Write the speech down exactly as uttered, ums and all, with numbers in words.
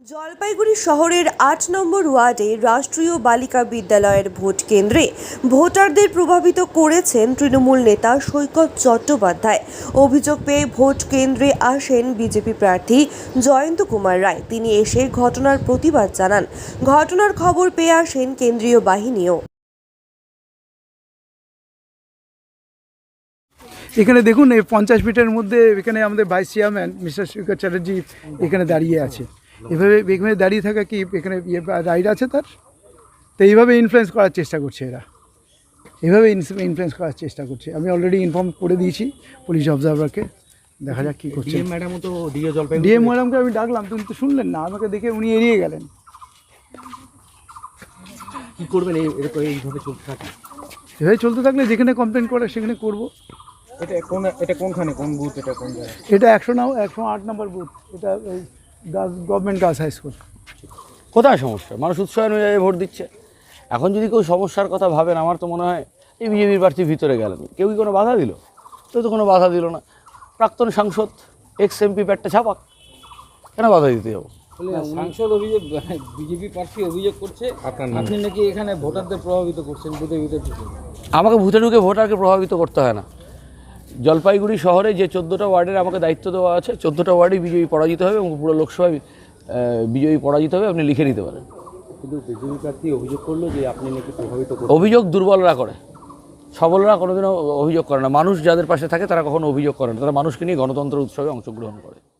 জলপাইগুড়ি শহরের আট নম্বর ওয়ার্ডে রাষ্ট্রীয় বালিকা বিদ্যালয়ের ভোট কেন্দ্রে ভোটারদের প্রভাবিত করেছেন তৃণমূল নেতা সৈকত চট্টোপাধ্যায়। অভিযোগ পেয়ে ভোট কেন্দ্রে আসেন বিজেপি প্রার্থী জয়ন্ত কুমার রায়। তিনি এসে ঘটনার প্রতিবাদ জানান। ঘটনার খবর পেয়ে আসেন কেন্দ্রীয় বাহিনীও। এখানে দেখুন, এই পঞ্চাশ মিটারের মধ্যে এখানে আমাদের vice chairman mister Saikat Chatterjee এখানে দাঁড়িয়ে আছে। এভাবে এখানে দাঁড়িয়ে থাকা কি এখানে রাইট আছে তার? তো এইভাবে ইনফ্লুয়েন্স করার চেষ্টা করছে এরা, এভাবে ইনফ্লুয়েন্স করার চেষ্টা করছে। আমি অলরেডি ইনফর্ম করে দিয়েছি পুলিশ অবজারভারকে, দেখা যাক কী করছে। ডিএম ম্যাডামও তো দিয়ে জলপাইগুড়ি ডিএম ম্যাডামকে আমি ডাকলাম, তুমি তো শুনলেন না, আমাকে দেখে উনি এড়িয়ে গেলেন। কী করবেন এরকম এইভাবে চলতে থাকে? এভাবে চলতে থাকলে যেখানে কমপ্লেন করে সেখানে করবো। এটা কোন এটা কোনখানে কোন বুথ? এটা কোন জায়গায়? এটা একশো নাও একশো আট নম্বর বুথ। এটা ওই girls government girls high school. কোথায় সমস্যা? মানুষ উৎসাহ অনুযায়ী ভোট দিচ্ছে। এখন যদি কেউ সমস্যার কথা ভাবেন, আমার তো মনে হয় এই বিজেপির প্রার্থী ভিতরে গেলেন, কেউ কি কোনো বাধা দিল? কেউ তো কোনো বাধা দিল না। প্রাক্তন সাংসদ এক্স এমপি প্যাটটা ছাপাক, কেন বাধা দিতে যাবো? সাংসদ অভিযোগ, বিজেপি প্রার্থী অভিযোগ করছে আপনি নাকি এখানে ভোটারদের প্রভাবিত করছেন বুথের ভিতরে ঢুকে। আমাকে ভূতে ঢুকে ভোটারকে প্রভাবিত করতে হয় না। জলপাইগুড়ি শহরে যে চোদ্দোটা ওয়ার্ডের আমাকে দায়িত্ব দেওয়া আছে, চোদ্দোটা ওয়ার্ডেই বিজেপি পরাজিত হবে এবং পুরো লোকসভায় বিজয়ী পরাজিত হবে, আপনি লিখে নিতে পারেন। কিন্তু বিজেপি প্রার্থী অভিযোগ করলো যে আপনি নাকি প্রভাবিত করছেন। অভিযোগ দুর্বলরা করে, সবলরা কোনোদিনও অভিযোগ করে না। মানুষ যাদের পাশে থাকে তারা কখনো অভিযোগ করে না, তারা মানুষকে নিয়ে গণতন্ত্র উৎসবে অংশগ্রহণ করে।